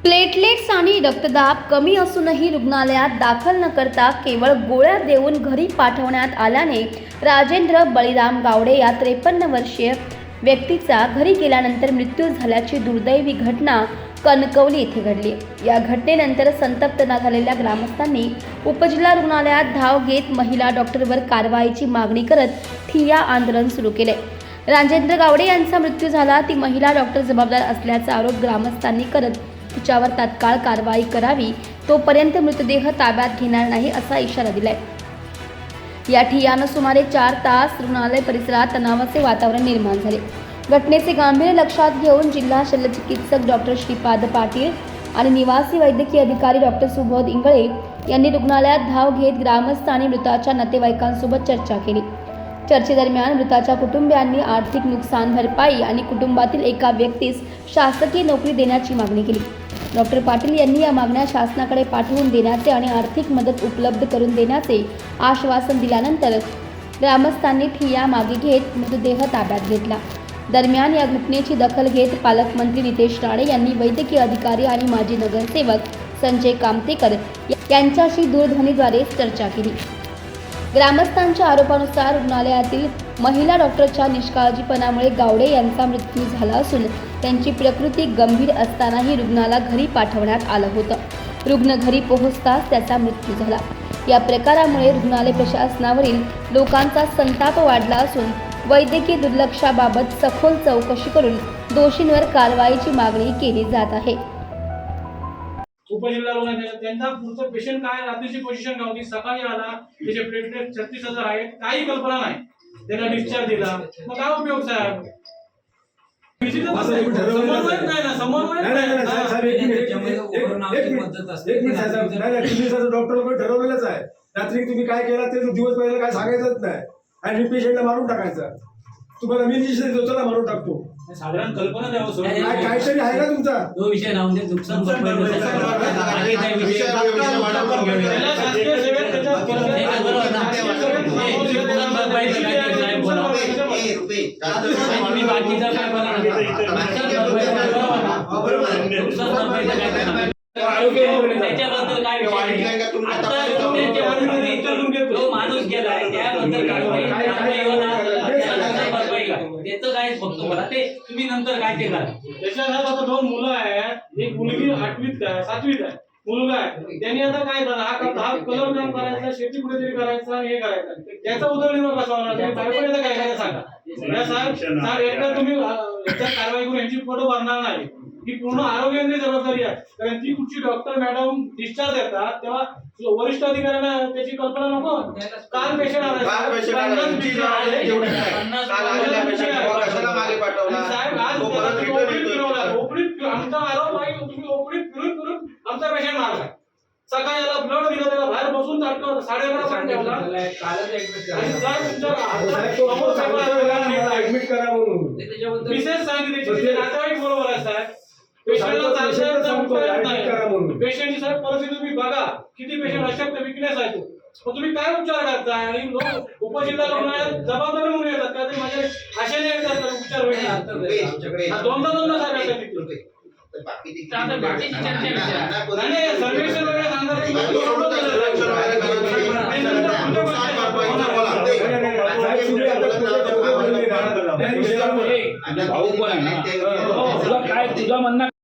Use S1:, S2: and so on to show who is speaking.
S1: Platelets आणि रक्तदाब कमी असूनही रुग्णालयात दाखल न करता केवळ गोळ्या देऊन घरी पाठवण्यात आल्याने राजेंद्र बळीराम गावडे या 53 वर्षीय व्यक्तीचा घरी गेल्यानंतर मृत्यू झाल्याची दुर्दैवी घटना कणकवली येथे घडली। या घटनेनंतर संतप्त झालेल्या ग्रामस्थांनी उपजिल्हा रुग्णालयात धाव घेत महिला डॉक्टरवर कारवाईची मागणी करत ठिय्या आंदोलन सुरू केले। राजेंद्र गावडे यांचा मृत्यू झाला, ती महिला डॉक्टर जबाबदार असल्याचा आरोप ग्रामस्थांनी करत तिच्यावर तात्काळ कारवाई करावी, तोपर्यंत मृतदेह ताब्यात घेणार नाही असा इशारा दिलाय। या ठिय्यानं सुमारे 4 तास रुग्णालय परिसरात तणावाचे वातावरण निर्माण झाले। घटनेचे गांभीर्य लक्षात घेऊन जिल्हा शल्यचिकित्सक डॉक्टर श्रीपाद पाटील आणि निवासी वैद्यकीय अधिकारी डॉक्टर सुबोध इंगळे यांनी रुग्णालयात धाव घेत ग्रामस्थ आणि मृताच्या नातेवाईकांसोबत चर्चा केली। चर्चेदरम्यान मृताच्या कुटुंबियांनी आर्थिक नुकसान भरपाई आणि कुटुंबातील एका व्यक्तीस शासकीय नोकरी देण्याची मागणी केली। डॉक्टर पाटील यांनी या मागण्या शासनाकडे पाठवून देण्याचे आणि आर्थिक मदत उपलब्ध करून देण्याचे आश्वासन दिल्यानंतर ग्रामस्थांनी ठिय्या मागे घेत मृतदेह ताब्यात घेतला। दरम्यान या घटनेची दखल घेत पालकमंत्री नितेश राणे यांनी वैद्यकीय अधिकारी आणि माजी नगरसेवक संजय कामतेकर यांच्याशी दूरध्वनीद्वारे चर्चा केली। ग्रामस्थांच्या आरोपानुसार रुग्णालयातील महिला डॉक्टरच्या निष्काळजीपणामुळे गावडे यांचा मृत्यू झाला असून त्यांची प्रकृती गंभीर असतानाही रुग्णाला घरी पाठवण्यात आलं होतं। रुग्ण घरी पोहोचताच त्याचा मृत्यू झाला। या प्रकारामुळे रुग्णालय प्रशासनावरील लोकांचा संताप वाढला असून वैद्यकीय दुर्लक्षाबाबत सखोल चौकशी करून दोषींवर कारवाईची मागणी केली जात आहे।
S2: उपजिल्हा रुग्णालयात त्यांचा पुढचं पेशंट काय, रात्रीची पोझिशन काय होती, सकाळी आला त्याचे प्लेटलेट 36,000 आहेत, काही कल्पना नाही, त्याला डिस्चार्ज दिला, मग काय उपयोग साहेब?
S3: डॉक्टर लोक ठरवलेलंच आहे, रात्री तुम्ही काय केला ते दिवस पहिला काय सांगायचंच नाही आणि पेशंटला मारून टाकायचा। तुम्हाला मी इंजेक्शन देतो ना, मारून टाकतो,
S2: साधारण कल्पना द्यावं
S3: काहीतरी आहे ना तुमचा
S4: तो विषय राहून दे। नुकसान त्याच्याबद्दल काय माणूस गेलाय त्याबद्दल त्याचं काय फक्त मला ते तुम्ही नंतर काय ते करा।
S2: त्याच्यात आता 2 मुलं आहेत, एक मुलगी 8वीत आहे, 7वीत आहे, मुलगा आहे, त्यांनी आता काय झालं, हा कलर काम करायचा, शेती कुठेतरी करायचा, हे करायचं, त्याचा उदरनिर्वाह कसा होणार? तुम्ही काय काय सांगा साहेब, एकदा तुम्ही कारवाई करून यांची फोटो भरणार नाही, ही पूर्ण आरोग्याची जबाबदारी आहे। कारण ती कुठची डॉक्टर मॅडम डिस्चार्ज देतात तेव्हा वरिष्ठ अधिकाऱ्यांना त्याची कल्पना नको। काल पेशंट आला साहेब, आज ओपडीत आमचा आरोप आहे, तुम्ही ओपडीत फिरून फिरून आमचा पेशंट मारला। सकाळी याला ब्लड दिलं, त्याला बाहेर बसून 11:30 पर्यंत ठेवला।
S3: ऍडमिट करा म्हणून
S2: विशेष सांगितले, नातेवाईक बरोबर आहे साहेब, पेशंटला पेशंटची साहेब परिस्थिती तुम्ही बघा, किती पेशंट अशक्त विकनेस आहे तो, मग तुम्ही काय उपचार करताय? आणि लोक उपजिल्हा रुग्णालयात जबाबदारी म्हणून येतात का? ते माझ्या आशेने येतात उपचार होईल, दोनदा साहेब सर्वेक्षण वगैरे
S5: भाऊ पण आहे ना, तुला काय तुझं म्हणणं